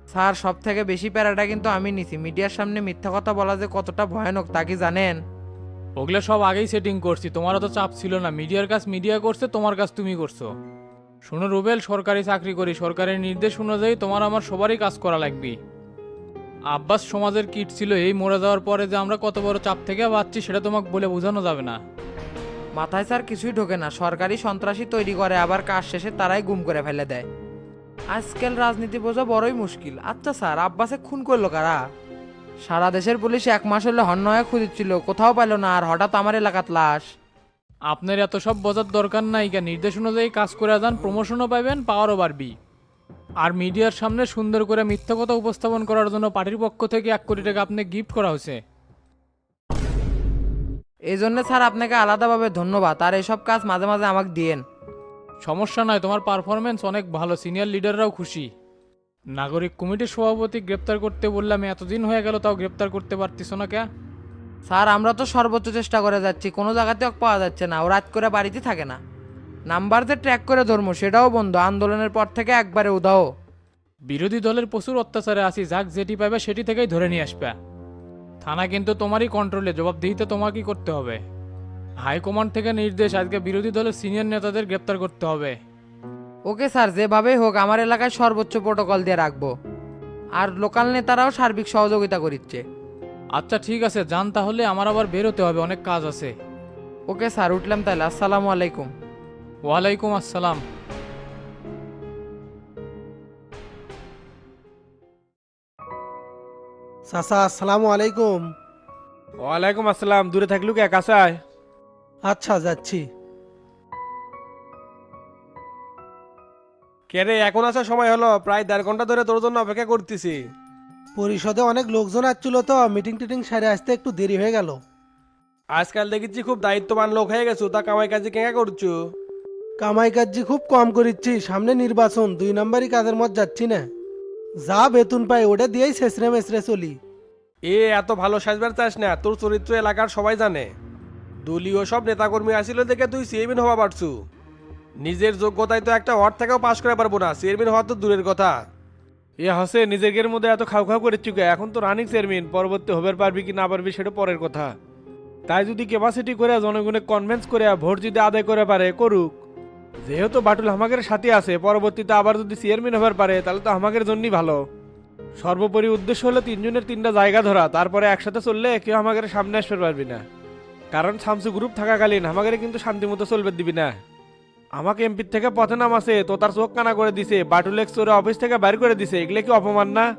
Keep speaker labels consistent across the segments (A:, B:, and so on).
A: Sir সব থেকে বেশি প্যারাটা কিন্তু আমি নিছি। মিডিয়ার সামনে মিথ্যা কথা বলা যে কতটা ভয়ানক তা কি জানেন?
B: ওগুলো সব আগেই সেটিং করছি, তোমারও তো চাপ ছিল না। মিডিয়ার কাজ মিডিয়া করছে, তোমার কাজ তুমি করছো। শোনো রুবেল, সরকারি চাকরি করি, সরকারের নির্দেশ অনুযায়ী তোমার আমার সবারই কাজ করা লাগবে। আব্বাস সমাজের কিট ছিল, এই মরে যাওয়ার পরে যে আমরা কত বড় চাপ থেকে বাঁচছি সেটা তোমাকে বলে বোঝানো যাবে না।
A: মাথায় স্যার কিছুই ঢোকে না। সরকারি সন্ত্রাসী তৈরি করে, আবার কাজ শেষে তারাই গুম করে ফেলে দেয়। আজকাল রাজনীতি বোঝা বড়ই মুশকিল। আচ্ছা স্যার, আব্বাসে খুন করলো কারা? সারা দেশের পুলিশ 1 মাস হলে হন্য হয়ে খুঁজছিল, কোথাও পাইলো না, আর হঠাৎ আমার এলাকাত লাশ।
B: আপনার এত সব বোঝার দরকার নাই, কেন নির্দেশ অনুযায়ী কাজ করে যান, প্রমোশনও পাবেন, পাওয়ারও বাড়বি। আর মিডিয়ার সামনে সুন্দর করে মিথ্যা কথা উপস্থাপন করার জন্য পার্টির পক্ষ থেকে 1 কোটি টাকা আপনি গিফট করা হয়েছে।
A: এই জন্য স্যার আপনাকে আলাদাভাবে ধন্যবাদ। আর এসব কাজ মাঝে মাঝে আমাকে দিয়েন।
B: সমস্যা নয়, তোমার পারফরমেন্স অনেক ভালো, সিনিয়র লিডাররাও খুশি। নাগরিক কমিটির সভাপতি গ্রেপ্তার করতে বললাম, এতদিন হয়ে গেল তাও গ্রেপ্তার করতে পারতিস না কে?
A: স্যার আমরা তো সর্বোচ্চ চেষ্টা করে যাচ্ছি, কোনো জায়গাতে ওকে পাওয়া যাচ্ছে না। ও রাত করে বাড়িতে থাকে না। নাম্বার যে ট্র্যাক করে ধর্ম সেটাও বন্ধ। আন্দোলনের পর থেকে একবারে উধাও।
B: বিরোধী দলের প্রচুর অত্যাচারে আছি, যাক যেটি পাবে সেটি থেকেই ধরে নিয়ে আসবে। থানা কিন্তু তোমারই কন্ট্রোলে, জবাবদিহিতে তোমাকেই করতে হবে। হাইকমান্ড থেকে নির্দেশ, আজকে বিরোধী দলের সিনিয়র নেতাদের গ্রেপ্তার করতে হবে।
A: ওকে স্যার, যেভাবেই হোক আমার এলাকায় সর্বোচ্চ প্রোটোকল দিয়ে রাখবো। আর লোকাল নেতারাও সার্বিক সহযোগিতা করিচ্ছে।
B: আচ্ছা ঠিক আছে, যান তাহলে, আমার আবার বের হতে হবে, অনেক কাজ আছে।
A: ওকে স্যার, উঠলাম তাহলে। আসসালামু আলাইকুম।
B: ওয়ালাইকুম আসসালাম।
C: চাচা আসসালামু আলাইকুম।
D: ওয়ালাইকুম আসসালাম। দূরে থাকলু কে, কাছায়?
C: আচ্ছা যাচ্ছি।
D: কে রে, এখন আসার সময় হলো? প্রায় 1.5 ঘন্টা ধরে তোর জন্য অপেক্ষা করতেছি।
C: পরিষদে অনেক লোকজন আসছিল তো, মিটিং টিটিং সেরে আসতে একটু দেরি হয়ে গেল।
D: আজকাল দেখেছি খুব দায়িত্ববান লোক হয়ে গেছো, তা কামাই কাজে কেঙ্গা করছো?
C: কামাই কাজি খুব কম করিচ্ছি, সামনে নির্বাচন, 2 নম্বরই কাজের মত যাচ্ছি না। যা বেতন পাই ওটা দিয়েই ছেঁচড়ে মেচড়ে চলি।
D: এত ভালো সাজবার চাস না, তোর চরিত্র এলাকার সবাই জানে। দলীয় সব নেতাকর্মী আসিল দেখে তুই চেয়ারম্যান হওয়া পারছু। নিজের যোগ্যতায় তো একটা ওয়ার্ড থেকেও পাশ করে পারবো না, চেয়ারম্যান হওয়া তো দূরের কথা। হসে নিজের মধ্যে এত খাও খাও করে চুকে, এখন তো রানিং চেয়ারম্যান, পরবর্তী হবার পারবি কি না পারবি সেটা পরের কথা। তাই যদি ক্যাপাসিটি করে জনগণে কনভিন্স করে ভোট যদি আদায় করে পারে করুক। যেহেতু বাটুল হামাকের সাথে আছে, পরবর্তীতে আবার যদি চেয়ারম্যান হবার পারে তাহলে তো হামাকের জন্যই ভালো। সর্বোপরি উদ্দেশ্য হলো 3 জনের 3টা জায়গা ধরা, তারপরে একসাথে চললে কেউ আমাদের সামনে আসতে পারবি না। কারণ শামসু গ্রুপ থাকাকালীন আমাদের কিন্তু শান্তিমতো চলবে দিবি না। আমাকে এমপির থেকে পথে নামাছে, তো তার চোখ কানা করে দিছে, বাটুলেক্স ওরে অফিস থেকে বাইর করে দিছে, এগুলো কি অপমান না?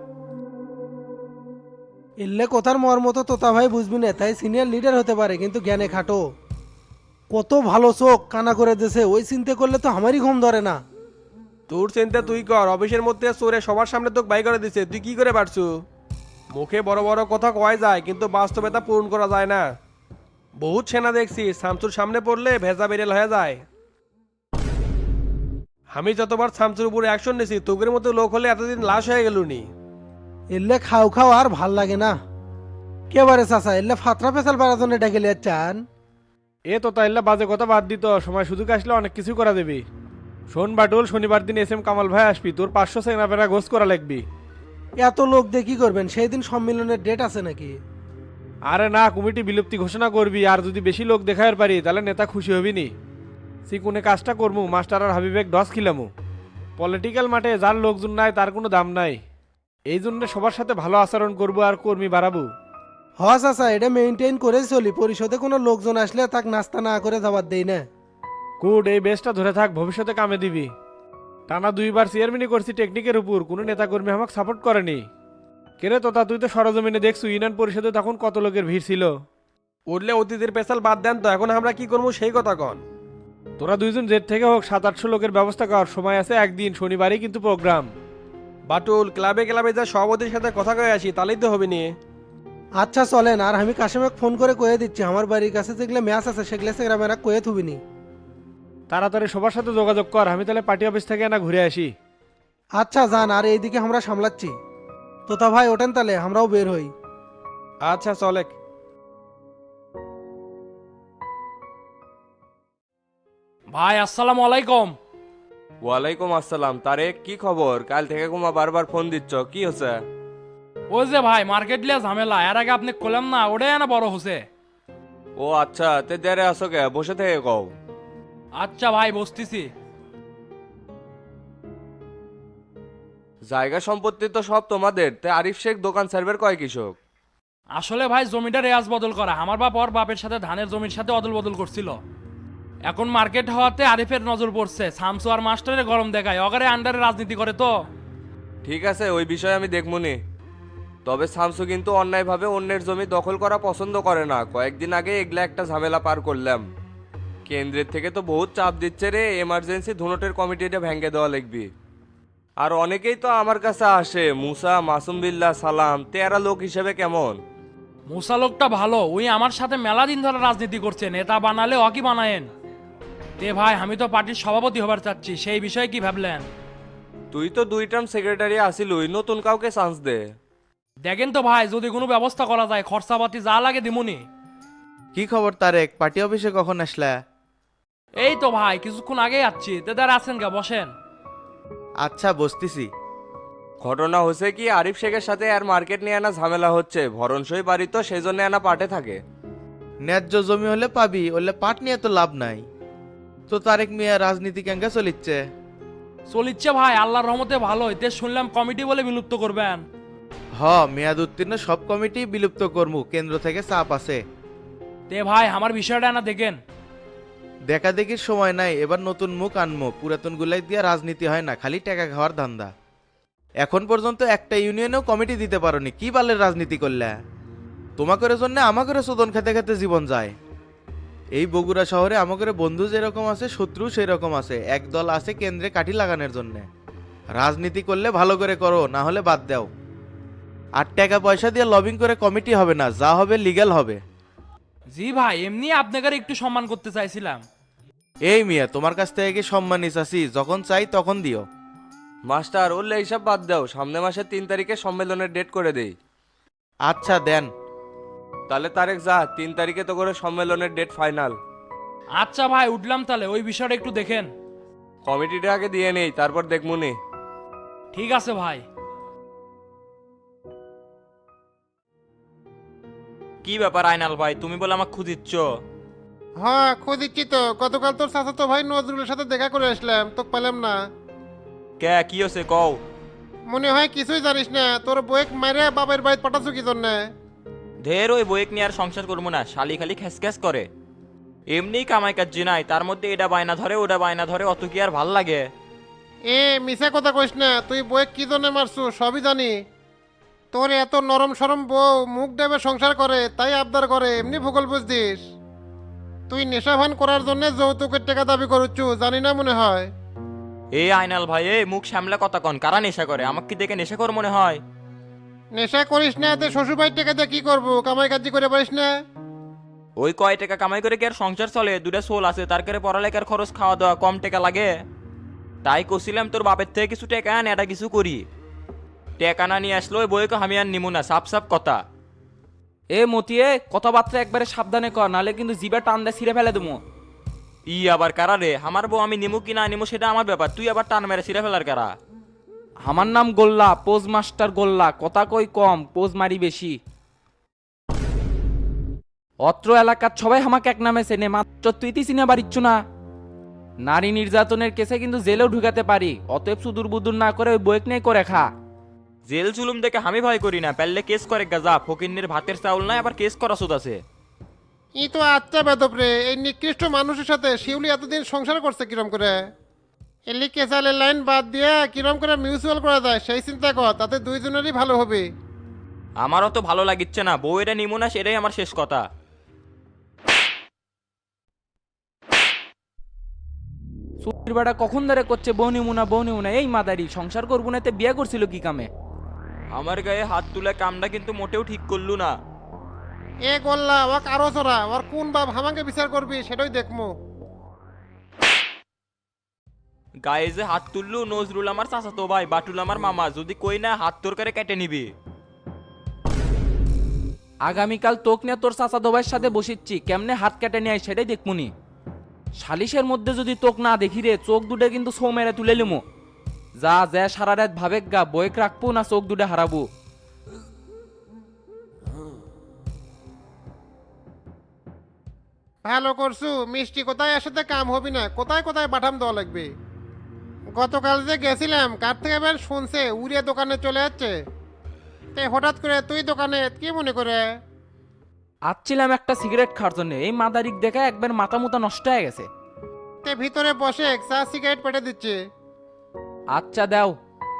C: এলে কথার মর্ম তো তোতা ভাই বুঝবি না, তাই সিনিয়র লিডার হতে পারে কিন্তু জ্ঞানে খাটো। কত ভালো চোখ কানা করে দিয়েছে, ওই চিন্তা করলে তো আমারই ঘুম ধরে না।
D: তোর চিন্তা তুই কর, অফিসের মধ্যে চোরে সবার সামনে তোকে বাই করে দিছে, তুই কি করে পারছু? মুখে বড় বড় কথা কয় যায়, কিন্তু বাস্তবে তা পূরণ করা যায় না। বহুত সেনা দেখছি শামসুর সামনে পড়লে ভেজা বেরেল হয়ে যায়। আমি যতবার শামসুর উপরে অ্যাকশন নিছি, তোকের মতো লোক হলে এতদিন লাশ হয়ে গেলুনি।
C: এলে খাও খাও আর ভাল লাগে না। কেবারে চাচা এলে ফাতরা পেশাল পাড়ার জন্য ডেকে লিয়ে চান।
D: তো তাইলে বাজে কথা বাদ দিত, সময় সুযোগ আসলে অনেক কিছু করা দেবি। শোন বাটুল, শনিবার দিন এস এম কামাল ভাই আসবি, তোর 500 সেনাপেরা গোস করা লাগবি।
C: এত লোক দিয়ে কি করবেন? সেই দিন সম্মেলনের ডেট আছে নাকি?
D: আরে না, কমিটি বিলুপ্তি ঘোষণা করবি, আর যদি বেশি লোক দেখার পারি তাহলে নেতা খুশি হবি নি। সিকুনে কাজটা করমু, মাস্টার আর হাবিবেক ডস খিলামু। পলিটিক্যাল মাঠে যার লোকজন নাই তার কোনো দাম নাই। এই জন্য সবার সাথে ভালো আচরণ করবো আর কর্মী বাড়াবো।
C: হ চাচা, এটা মেনটেন করে চলি। পরিষদে কোনো লোকজন আসলে তাক নাস্তা না করে যাবার দেই না।
D: গুড, এই বেসটা ধরে থাক, ভবিষ্যতে কামে দিবি। টানা 2বার চেয়ারম্যানই করছি টেকনিকের উপর, কোনো নেতাকর্মী আমাকে সাপোর্ট করেনি। কেরে তোতা, তুই তো সরজমিনে দেখছু ইউনিয়ন পরিষদে তখন কত লোকের ভিড় ছিল। উঠলে অতীতের পেশাল বাদ দেন তো, এখন আমরা কি করবো সেই কথা কন। তোরা 2জন জেট থেকে হোক 700-800 লোকের ব্যবস্থা কর, সময় আছে একদিন, শনিবারই কিন্তু প্রোগ্রাম। বাটুল, ক্লাবে ক্লাবে যা সভাপতির সাথে কথা কয়ে আসি, তাহলেই তো হবে নি।
C: আচ্ছা চলেন, আর আমি কাশেমে ফোন করে কয়ে দিচ্ছি, আমার বাড়ির কাছে যেগুলো ম্যাচ আছে সেগুলো সেগ্রামেরা কয়ে থুবিনি।
D: তাড়াতাড়ি সবার সাথে যোগাযোগ কর, আমি তাহলে পার্টি অফিস থেকে না ঘুরে আসি।
C: আচ্ছা যান, আর এইদিকে আমরা সামলাচ্ছি। তোতা ভাই ওঠেন তাহলে, আমরাও বের হই।
D: আচ্ছা চলে।
B: ভাই আসসালামু আলাইকুম।
E: ওয়ালাইকুম আসসালাম তারেক, কি খবর? কাল থেকে কুমা বারবার ফোন দিচ্ছ, কি হচ্ছে?
B: ওই যে ভাই মার্কেট লিয়ে ঝামেলা, এর আগে আপনি কলাম না, ওটাই না বড় হচ্ছে।
E: ও আচ্ছা, তে দেরে আসো কে? বসে থেকে কও।
B: আচ্ছা ভাই বসতেছি।
E: জায়গা সম্পত্তি তো সব তোমাদের, তে আরিফ শেখ দোকান সার্ভের কয় কৃষক?
B: আসলে ভাই জমিটা রেয়াজ বদল করা, আমার বাপ ওর বাপের সাথে ধানের জমির সাথে অদল বদল করছিল। এখন মার্কেট হওয়াতে আরিফের নজর পড়ছে, শামসু আর মাস্টারের গরম দেখায়, অগারে আন্ডারে রাজনীতি করে তো।
E: ঠিক আছে, ওই বিষয়ে আমি দেখমুনি। তবে শামসু কিন্তু অন্যায়ভাবে অন্যের জমি দখল করা পছন্দ করে না। কয়েকদিন আগে এগুলা একটা ঝামেলা পার করলাম। কেন্দ্রের থেকে তো বহুত চাপ দিচ্ছে রে, এমার্জেন্সি ধুনটের কমিটিটা ভেঙে দেওয়া লাগবে। আর অনেকেই তো আমার কাছে আসে, মুসা, মাসুম বিল্লাহ, সালাম, তেরা লোক হিসেবে কেমন?
B: মুসা লোকটা ভালো, ওই আমার সাথে মেলা দিন ধরে রাজনীতি করছে, নেতা বানালে অকি বানায়েন। তে ভাই আমি তো পার্টির সভাপতি হবার চাচ্ছি, সেই বিষয়ে কি ভাবলেন?
E: তুই তো 2 টার্ম সেক্রেটারি আসিলুই, নতুন কাউকে চান্স দে।
B: দেখেন তো ভাই, যদি কোনো ব্যবস্থা করা যায়, খরচাপাতি যা লাগে দিমুনি।
F: কি খবর তারেক, পার্টি অফিসে কখন আসলা?
B: এই তো ভাই কিছুক্ষণ আগেই আসছি, তেদার আছেন গা, বসেন।
F: আচ্ছা বসতিছি।
E: ঘটনা হচ্ছে কি, আরিফ শেখের সাথে আর মার্কেট নিয়ে আনা ঝামেলা হচ্ছে। ভরণসই বাড়ি তো সেই জন্য আনা পাটে থাকে।
F: ন্যায্য জমি হলে পাবি, ওলে পাট নিয়ে তো লাভ নাই। তো তারেক মিয়া রাজনীতি কেঙ্গা চলিচ্ছে?
B: চলিচ্ছে ভাই আল্লাহর রহমতে ভালো হইতে, শুনলাম কমিটি বলে বিলুপ্ত করবেন।
F: মেয়াদ উত্তীর্ণ সব কমিটি বিলুপ্ত করমু, কেন্দ্র থেকে চাপ আছে।
B: তে ভাই আমার বিষয়টা না দেখেন।
F: দেখা দেখির সময় নাই, এবার নতুন মুখ আনমো। পুরাতন গুলাই দিয়ে রাজনীতি হয় না, খালি টাকা খাওয়ার ধান্দা। এখন পর্যন্ত একটা ইউনিয়নেও কমিটি দিতে পারোনি, কি বালের রাজনীতি করলে? তোমাদের জন্য আমাদের শোধন খেতে খেতে জীবন যায়। এই বগুড়া শহরে আমাদের বন্ধু যেরকম আছে, শত্রু সেই রকম আছে। এক দল আছে কেন্দ্রে কাঠি লাগানোর জন্য। রাজনীতি করলে ভালো করে করো, না হলে বাদ দাও। আর টাকা পয়সা দিয়ে লবিং করে কমিটি হবে না, যা হবে লিগ্যাল হবে।
B: জি ভাই, এমনি আপনাকে একটু সম্মান করতে চাইছিলাম।
F: এই মিয়া, তোমার কাছ থেকে কি সম্মানিত আছি? যখন চাই তখন দিও।
E: মাস্টার, ওরলে এইসব বাদ দাও, সামনে মাসের 3 তারিখে সম্মেলনের ডেট করে দেই।
F: আচ্ছা দেন।
E: তাহলে তারেক যা, 3 তারিখে তো করে সম্মেলনের ডেট ফাইনাল।
B: আচ্ছা ভাই উঠলাম, তাহলে ওই বিষয়টা একটু দেখেন।
E: কমিটিটা আগে দিয়ে নেই, তারপর দেখমুনি।
B: ঠিক আছে ভাই।
G: কি ব্যাপার আইনাল ভাই, তুমি বলে আমাকে খুঁজিচ্ছ?
H: হ্যাঁ খুঁজিচ্ছি তো। গতকাল তোর চাচাতো ভাই নজরুলের সাথে দেখা করে আসলাম, তোকে পেলাম না।
G: কে কি হয়েছে কও?
H: মনে হয় কিছুই জানিস না, তোর বয়েক মারে বাবার বাড়িতে পাঠাচ্ছ কি জন্যে?
G: ঢের ওই বইক নিয়ে আর সংসার করবো না, শালি খালি খ্যাস করে। এমনি কামাই কাজ নাই, তার মধ্যে এটা বায়না ধরে ওটা বায়না ধরে, অত কি আর ভাল লাগে?
H: মিশা কথা কইস না, তুই বয়েক কি জন্য মারছু সবই জানি। তোর এত নরম সরম বউ মুখ দেবে সংসার করে, তাই আবদার করে, এমনি ভূগোল বুঝদিস। তুই নেশা ভান করার জন্য যৌতুকের টাকা দাবি করছু, জানি না মনে হয়।
G: এই আইনাল ভাই, এই মুখ সামলা কথা কন, কারা নেশা করে? আমাকে কি দেখে নেশা কর মনে হয়?
H: নেশা করিস না, এতে শ্বশুরবাড়ির টাকা দিয়ে কি করবো? কামাই কাজি করে পারিস না?
G: ওই কয় টাকা কামাই করে কি আর সংসার চলে? দুটা সোল আছে, তার করে পড়ালেখার খরচ খাওয়া দাওয়া, কম টাকা লাগে। তাই কছিলাম তোর বাপের থেকে কিছু টাকা আন, এটা কিছু করি। টাকা না নিয়ে আসলো ওই বইকে আমি আর নিমু না, সাপ সাপ কথা।
I: এ মতিয়ে কথাবার্তা একবারে সাবধানে কর, নালে কিন্তু জিবা টান দিয়ে ছিঁড়ে ফেলে দেবো।
G: ই আবার কারা রে? আমার বউ আমি নিমু কি না নিমু সেটা আমার ব্যাপার, তুই আবার টান মেরে ছিঁড়ে ফেলার কারা?
I: আমার নাম গোল্লা, পোজ মাস্টার গোল্লা, কথা কই কম, পোজ মারি বেশি। অত্র এলাকার সবাই আমাকে এক নামে চেনে, মাত্র তুই চিনে পারিচ্ছু না। নারী নির্যাতনের কেসে কিন্তু জেলেও ঢুকাতে পারি, অতএব সুদূর বুদুর না করে ওই বইক নিয়ে করে খা।
G: জেল জুলুম দেখে আমি ভয় করি না, পারলে কেস করে গাজা, ফকিন্নির ভাতের চাউল নাই আবার কেস করা সুদ আছে।
H: ই তো আচ্ছা বেদব রে, এই নিকৃষ্ট মানুষের সাথে শিউলি এতদিন সংসার করছে কিরম করে? এলি কেসালের লাইন বাদ দিয়ে কিরম করে মিউচুয়াল করা যায় সেই চিন্তা কর, তাতে দুইজনেরই ভালো হবে।
G: আমারও তো ভালো লাগিচ্ছে না, বউ এটা নিমু না সেটাই আমার শেষ কথা।
I: সুতির বেটা কখন ধরে করছে বউ নিমুনা, এই মাদারি সংসার করবো না, এতে বিয়ে করছিল কি কামে?
G: আমার গায়ে হাত তুলে কামটা কিন্তু মোটেও ঠিক করলু না।
H: এ গোল্লা ওয়াক আরো চড়া, ওর কোন বাপ হামাকে বিচার করবি সেটাই দেখমু।
G: গায়ে যে হাত তুললু, নজরুল আমার চাচাতো ভাই, বাটুল আমার মামা, যদি কই না হাত তোর করে কেটে নিবি।
I: আগামীকাল তোক নিয়ে তোর চাচা দোবাইয়ের সাথে বসিচ্ছি, কেমনে হাত কেটে নিয়ে আয় সেটাই দেখমুনি। সালিশের মধ্যে যদি তোক না দেখি রে, চোখ দুটো কিন্তু সৌ মেরে তুলে লিমু। যা যা সারা রাত ভাবেক গা, বইক রাখবো না চোখ দুটো হারাবো।
H: ভালো করছু, মিষ্টি কোথায় আসতে কাম হবি না, কোথায় কোথায় পাঠাম দেওয়া লাগবে। গতকাল যে গেছিলাম কার থেকে বের শুনছে উড়িয়ে দোকানে চলে যাচ্ছে, তে হঠাৎ করে তুই দোকানে কি মনে করে?
I: আসছিলাম একটা সিগারেট খাওয়ার জন্য, এই মাদারিক দেখা একবার মাথা মুতা নষ্ট হয়ে গেছে।
H: তে ভিতরে বসে চা সিগারেট পেটে দিচ্ছে।
I: আচ্ছা দাও।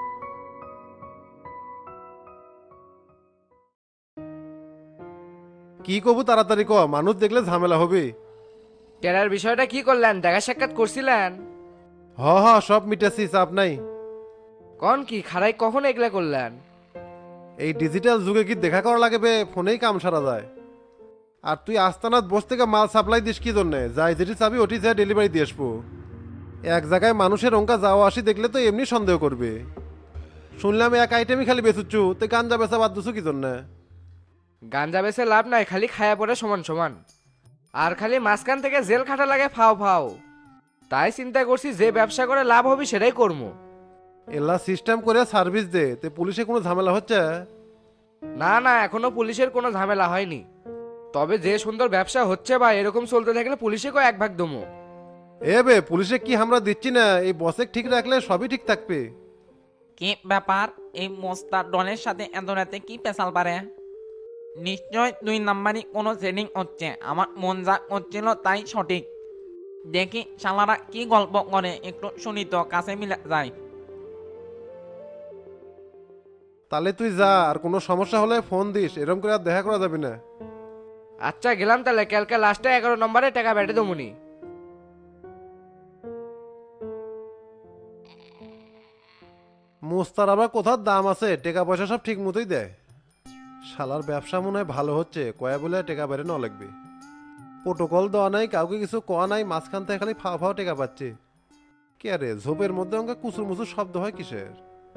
J: কি কবু তাড়াতাড়ি ক, মানুষ দেখলে ঝামেলা হবে।
A: টেরার বিষয়টা কি করলেন, দেখা সাক্ষাৎ করছিলেন?
J: হ হ, সব মিটেছি, চাপ নাই।
A: কোন কি খারাই কখন এগুলা করলেন?
J: এই ডিজিটাল যুগে কি দেখা করা লাগবে, ফোনেই কাম সারা যায়। আর তুই আস্তানাত বস থেকে মাল সাপ্লাই দিস কি জন্যে? যাই যেটি চাবি ওটি যা ডেলিভারি দিয়ে আসবো। এক জায়গায় মানুষের অঙ্কা যাওয়া আসি দেখলে তো এমনি সন্দেহ করবে। শুনলাম এক আইটেমই খালি বেচুচ্ছু, তুই গাঞ্জা বেচা বাদ দিছু কি জন্যে?
A: গাঞ্জা বেচে লাভ নাই, খালি খায়া পড়ে সমান সমান। আর খালি মাঝখান থেকে জেল খাটা লাগে ফাও ফাও। তাই চিন্তা করছি যে ব্যবসা করে লাভ হবে সেটাই করবো।
J: এলা সিস্টেম করে সার্ভিস দে, তে পুলিশে কোনো ঝামেলা হচ্ছে?
A: না না, এখনো পুলিশের কোনো ঝামেলা হয়নি। তবে যে সুন্দর ব্যবসা হচ্ছে বা এরকম চলতে থাকলে পুলিশে কো এক ভাগ দমো।
J: এ বে, পুলিশে কি আমরা দিচ্ছি না? এই বসে ঠিক রাখলে সবই ঠিক থাকবে।
K: কি ব্যাপার, এই মোস্তার ডনের সাথে এত রাতে কি পেশাল পারে? নিশ্চয় 2 নাম্বারই কোনো ট্রেনিং হচ্ছে, আমার মন যা করছিল তাই সঠিক। দেখি শালারা কি গল্প করে, একটু শুনি তো, কাছে মিলে যায়।
J: তাহলে তুই যা, আর কোনো সমস্যা হলে ফোন দিস, এরকম করে আর দেখা করা যাবে না।
A: আচ্ছা গেলাম তাহলে, কালকে লাস্টে 11 নম্বরে টাকা বেটে দমুনি।
J: মোস্তার আবার কোথার দাম আছে, টাকা পয়সা সব ঠিক মতোই দেয়। শালার ব্যবসা মনে হয় ভালো হচ্ছে, কয়া বলে টাকা বেড়ে ন লাগবে। প্রোটোকল দেওয়া নাই, কাউকে কিছু কোয়া নাই, মাঝখান থেকে খালি ফাও ফাও টাকা পাচ্ছে। কে রে, ঝোপের মধ্যে অঙ্কে কুচুর মুচুর শব্দ হয় কিসের?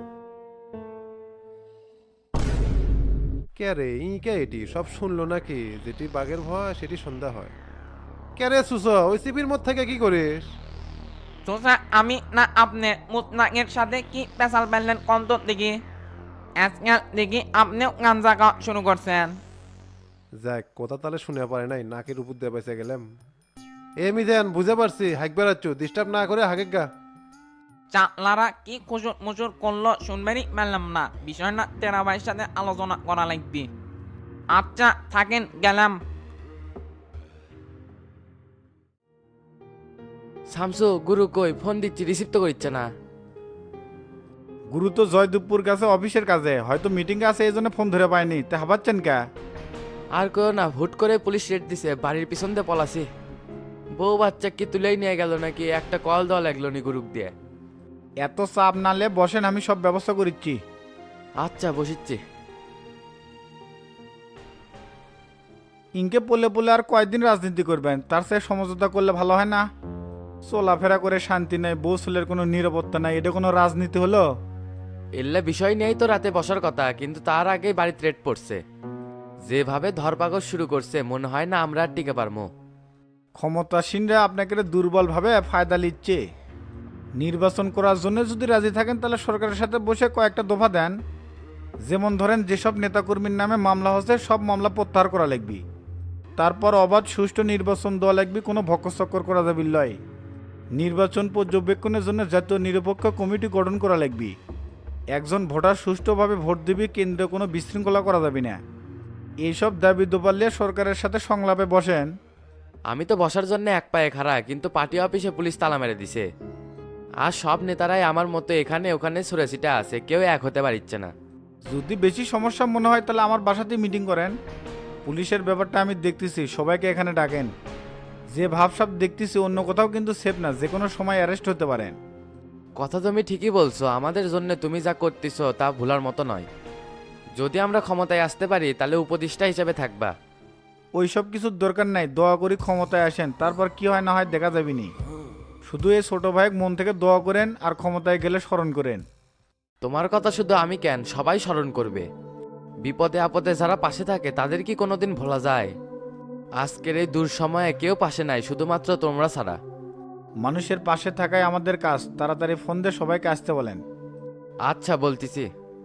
J: কে রে, ই কে এটি সব শুনলো নাকি? যেটি বাঘের ভয় সেটি সন্ধ্যা হয়। কে রে সুস, ওই সিপির মধ্যে থেকে কি করিস?
K: সোসা আমি না আপনি মুতনাকের সাথে কি পেশাল পারলেন কম তো দেখি। আজকাল দেখি আপনিও গাঞ্জা খাওয়া শুরু করছেন।
J: যাক, কথা তাহলে শুনে পারে নাই, নাকের উপর দিয়ে বেঁচে গেলাম। এ মিজান, বুঝে পারছি, হাইক বেড়াচ্ছ, ডিস্টার্ব না করে হাঁকে গা।
K: চালারা কি কুচুর মুচুর করলো শুনবেনই পারলাম না, বিষয় না টেরা ভাইয়ের সাথে আলোচনা করা লাগবে। আচ্ছা থাকেন, গেলাম।
A: শামসু, গুরু কই? ফোন দিচ্ছি, রিসিভ তো করছে না।
L: গুরু তো জয়দুপুর কাছে অফিসের কাজে, হয়তো মিটিং আছে এই জন্য ফোন ধরে পায়নি। তে হাবাচ্ছেন কা?
A: আর কেউ না, হুট করে পুলিশ রেড দিছে, বাড়ির পিছন দিয়ে পলাছি। বউ বাচ্চা কি তুলেই নিয়ে গেল নাকি? একটা কল দেওয়া লাগলো নি গুরুক দিয়ে।
L: এত চাপ নালে বসেন, আমি সব ব্যবস্থা করিচ্ছি।
A: আচ্ছা বসিচ্ছি।
L: ইনকে পলে পলে আর কয়দিন রাজনীতি করবেন? তার চেয়ে সমঝোতা করলে ভালো হয় না? চলাফেরা করে শান্তি নাই, বউ ছেলের কোনো নিরাপত্তা নাই, এটা কোনো রাজনীতি হলো?
A: এল্লা বিষয় নিয়েই তো রাতে বসার কথা, কিন্তু তার আগেই বাড়িতে রেড পড়ছে। যেভাবে ধরপাকড় শুরু করছে, মনে হয় না আমরা আর টিকে পারবো।
L: ক্ষমতাসীনরা আপনাকে দুর্বলভাবে ফায়দা নিচ্ছে। নির্বাচন করার জন্য যদি রাজি থাকেন তাহলে সরকারের সাথে বসে কয়েকটা দফা দেন। যেমন ধরেন, যেসব নেতাকর্মীর নামে মামলা হচ্ছে সব মামলা প্রত্যাহার করা লাগবে। তারপর অবাধ সুষ্ঠু নির্বাচন দেওয়া লাগবে, কোনো ভক্কচক্কর করা যাবে লয়। নির্বাচন পর্যবেক্ষণের জন্য জাতীয় নিরপেক্ষ কমিটি গঠন করা লাগবে। একজন ভোটার সুষ্ঠুভাবে ভোট দিবে, কেন্দ্রে কোনো বিশৃঙ্খলা করা যাবে না। এইসব দাবি দোপালে সরকারের সাথে সংলাপে বসেন।
A: আমি তো বসার জন্য এক পায়ে খাড়া, কিন্তু পার্টি অফিসে পুলিশ তালা মেরে দিছে। আর সব নেতারাই আমার মতো এখানে ওখানে ছড়াছিটা আছে, কেউ এক হতে পারছে না।
L: যদি বেশি সমস্যা মনে হয় তাহলে আমার বাসাতেই মিটিং করেন। পুলিশের ব্যাপারটা আমি দেখতেছি, সবাইকে এখানে ডাকেন। যে ভাবসাব দেখতেছি অন্য কোথাও কিন্তু সেফ না, যে কোনো সময় অ্যারেস্ট হতে পারেন।
A: কথা তুমি ঠিকই বলছো, আমাদের জন্য তুমি যা করতেছো তা ভুলার মতো নয়। যদি আমরা ক্ষমতায় আসতে পারি তাহলে উপদেষ্টা হিসেবে থাকবা।
L: ওইসব কিছুর দরকার নাই, দোয়া করি ক্ষমতায় আসেন, তারপর কি হয় না হয় দেখা যাবে নি। শুধু এই ছোট ভাইয়ের মন থেকে দোয়া করেন, আর ক্ষমতায় গেলে স্মরণ করেন।
A: তোমার কথা শুধু আমি কেন, সবাই স্মরণ করবে। বিপদে আপদে যারা পাশে থাকে তাদের কি কোনোদিন ভোলা যায়? আজকের এই দূর সময়ে কেউ পাশে নাই, শুধুমাত্র তোমরা ছাড়া।
L: মানুষের পাশে থাকাই আমাদের কাজ, তাড়াতাড়ি ফোন দিয়ে সবাইকে আসতে বলেন।
F: আচ্ছা বলতেছি।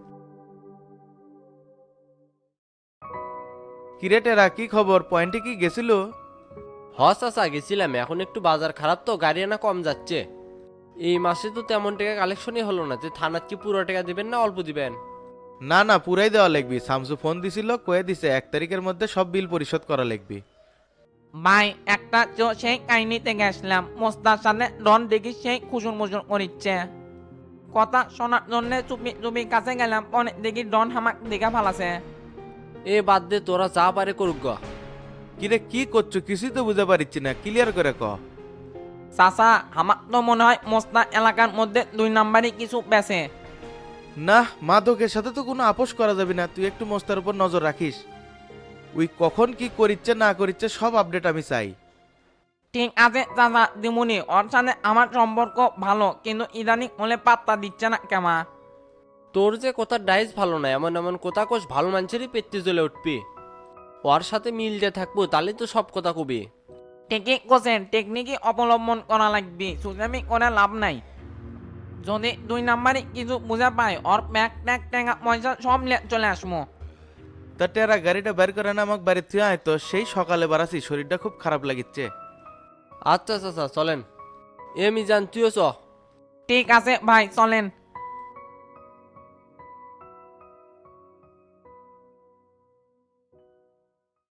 F: কিরেটেরা কি খবর, পয়েন্টে কি গেছিল?
M: চাচা গেছিলাম, এখন একটু বাজার খারাপ তো গাড়ি আনা কম যাচ্ছে। এই মাসে তো তেমন টাকা কালেকশনই হলো না, যে থানার কি পুরো টাকা দিবেন না অল্প দিবেন?
F: না না, পুরাই দেওয়া লাগবি। শামসু ফোন দিছিল, কয়ে দিছে 1 তারিখের মধ্যে সব বিল পরিশোধ করা লাগবে।
K: ভাই একটা সেই কাহিনীতে গেছিলাম, মোস্তার সাথে ডন দেখি সেই খুশুর মুসুর করিচ্ছে। কথা শোনার জন্য চুপি চুপি কাছে গেলাম, পরে দেখি ডন হামাক দেখা ফালাছে।
M: এ বাদ দে, তোরা যা পারে করুক গা।
F: কিরে কি করছো, কিছুই তো বুঝতে পারছি না, ক্লিয়ার করে ক।
K: চাচা আমার তো মনে হয় মোস্তা এলাকার মধ্যে 2 নাম্বারই কিছু বেছে।
F: না, মাদকের সাথে তো কোনো আপোষ করা যাবে না, তুই একটু মোস্তার উপর নজর রাখিস। ওই কখন কি করিচ্ছে না করিচ্ছে সব আপডেট আমি চাই।
K: ঠিক আছে চাচা, দিমুনি। ওর সাথে আমার সম্পর্ক ভালো, কিন্তু ইদানিং হলে পাত্তা দিচ্ছে না কেমা।
M: তোর যে কথা ডাইস ভালো না, এমন এমন কথা কোষ ভালো মানুষেরই পেট্টি জ্বলে উঠবি। ওর সাথে মিল দিয়ে থাকবো, তাহলে তো সব কথা কবি।
K: ঠিকই কোসেন, টেকনিকই অবলম্বন করা লাগবে, সুজামি করে লাভ নাই। যদি 2 নাম্বারই কিছু বুঝা পায়, ওর ব্যাগ ট্যাগ ট্যাঙ্গা পয়সা সব চলে আসবো।
F: তা টেরা গাড়িটা বের করে না আমাকে বাড়ি থেকে আয় তো, সেই সকালে বাড়াছি, শরীরটা খুব খারাপ লাগিচ্ছে।
M: আচ্ছা চাচা চলেন। এ মিজান তুইও চ।
K: ঠিক আছে ভাই, চলেন।